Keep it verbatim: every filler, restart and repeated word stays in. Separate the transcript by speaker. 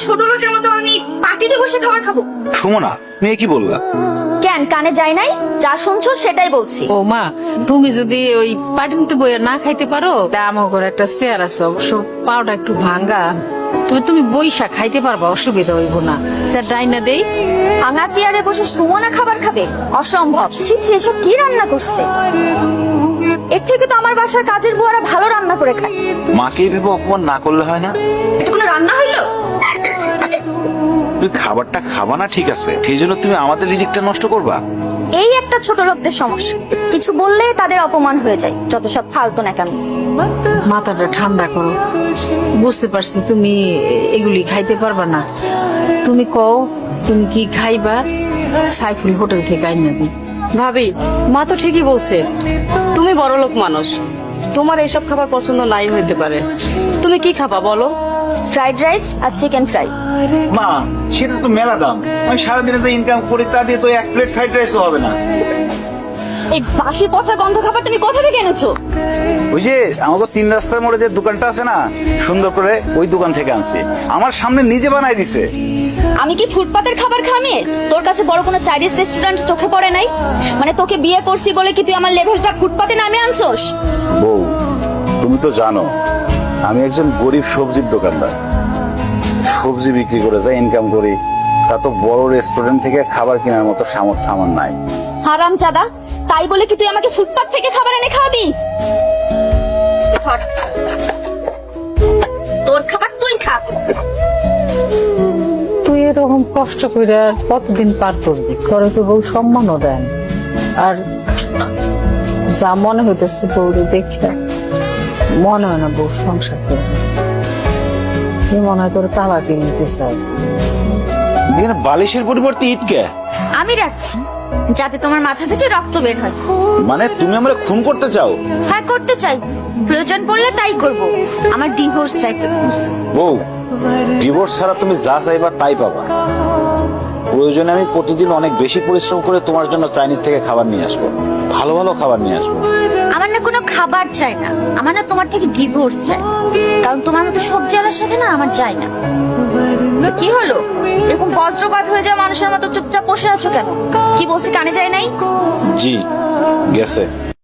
Speaker 1: ছোট লোকের মতো আমি পার্টিতে বসে খাবার খাবো?
Speaker 2: সুমনা, মেয়ে কি বললা?
Speaker 1: কেন কানে যায় নাই? যা শুনছো সেটাই বলছি।
Speaker 3: ও মা, তুমি যদি ওই পাটিতে বইয়া না খাইতে পারো, আমার ঘরে একটা চেয়ার আছে, অবশ্য পাওটা একটু ভাঙ্গা, তবে তুমি বইসা খাইতে পারবা, অসুবিধা হইব না। স্যার ডাইনা দেই।
Speaker 1: ভাঙা চেয়ারে বসে সুমনা খাবার খাবে? অসম্ভব। ছি ছি, এসব কি রান্না করছে? এর থেকে তো আমার বাসার কাজের বুয়ারা ভালো রান্না করে খায়।
Speaker 2: মাকে ভেবে অপমান না করলে হয় না?
Speaker 1: এটা কোনো রান্না হইলো?
Speaker 2: তুই খাবারটা খাবা না ঠিক আছে, সেই জন্য তুমি আমাদের রিজিকটা নষ্ট করবা?
Speaker 1: এই একটা ছোট লোকদের সমস্যা, কিছু বললে তাদের অপমান হয়ে যায়। যত সব ফালতু নাকামি।
Speaker 3: মাথাটা ঠান্ডা করো, বুঝতে পারছি তুমি এগুলি খাইতে পারবা না। তুমি কও তুমি কি খাইবা, সাইফুল হোটেল থেকে আইনা দিই।
Speaker 4: ভাবি, মা তো ঠিকই বলছে, তুমি বড় লোক মানুষ, তোমার এইসব খাবার পছন্দ নাই হইতে পারে। তুমি কি খাবা বলো?
Speaker 1: ফ্রাইড রাইস আর চিকেন ফ্রাই।
Speaker 2: মা, সেটা তো মেলা দাম। আমি সারাদিনে যে ইনকাম করি তা দিয়ে তো এক প্লেট ফ্রাইড রাইসও হবে না।
Speaker 1: এই বাসি পচা গন্ধ খাবার তুমি কোথা থেকে এনেছো?
Speaker 2: ওই যে আমাকে তিন রাস্তার মোড়ে যে দোকানটা আছে না, সুন্দর করে ওই দোকান থেকে আনছি। আমার সামনে নিজে বানাই দিছে।
Speaker 1: আমি কি ফুটপাতের খাবার খামে? তোর কাছে বড় কোনো চাইনিজ রেস্টুরেন্ট চোখে পড়ে নাই? মানে তোকে বিয়ে করছি বলে কি তুই আমার লেভেলটা ফুটপাতে নামে আনছোস?
Speaker 2: বউ, তুমি তো জানো আমি একজন গরিব সবজির দোকানদার। সবজি বিক্রি করে যা ইনকাম করি তা তো বড় রেস্টুরেন্ট থেকে খাবার কেনার মতো সামর্থ্য আমার নাই।
Speaker 1: হারাম চাদা, তাই বলে কি তুই আমাকে ফুটপাত থেকে খাবার এনে খাওয়াবি? ধর, তোর খাবার তুই খা।
Speaker 3: তুই এরকম কষ্ট করে আর কতদিন পার করবি? তোর তো বউ সম্মানও দেন, আর যা মনে হইতেছে বউরে দেখে মনে হয় না বউ সংসার করে। কি মনে হয় তোর তালা কিনে নিতে চাই।
Speaker 2: এখানে বালিশের পরিবর্তে ইটকে
Speaker 1: আমি রাখছি যাতে তোমার মাথা ফেটে রক্ত বের হয়।
Speaker 2: মানে তুমি আমরা খুন করতে চাও?
Speaker 1: হ্যাঁ করতে চাই, প্রয়োজন পড়লে তাই করব। আমার ডিভোর্স চাই।
Speaker 2: বউ, ডিভোর্স ছাড়া তুমি যা চাইবা তাই পাবা। প্রয়োজনে আমি প্রতিদিন অনেক বেশি পরিশ্রম করে তোমার জন্য চাইনিজ থেকে খাবার নিয়ে আসবো, ভালো ভালো খাবার নিয়ে আসবো।
Speaker 1: আমার না কোনো খাবার চাই না, আমার না তোমার থেকে ডিভোর্স চাই। কারণ তোমার মতো সবজি আলার সাথে না আমার যায় না। কি হলো, এরকম বজ্রপাত হয়ে যাওয়া মানুষের মতো চুপচাপ বসে আছো কেন? কি বলছি কানে যায় নাই?
Speaker 2: জি, গেছে।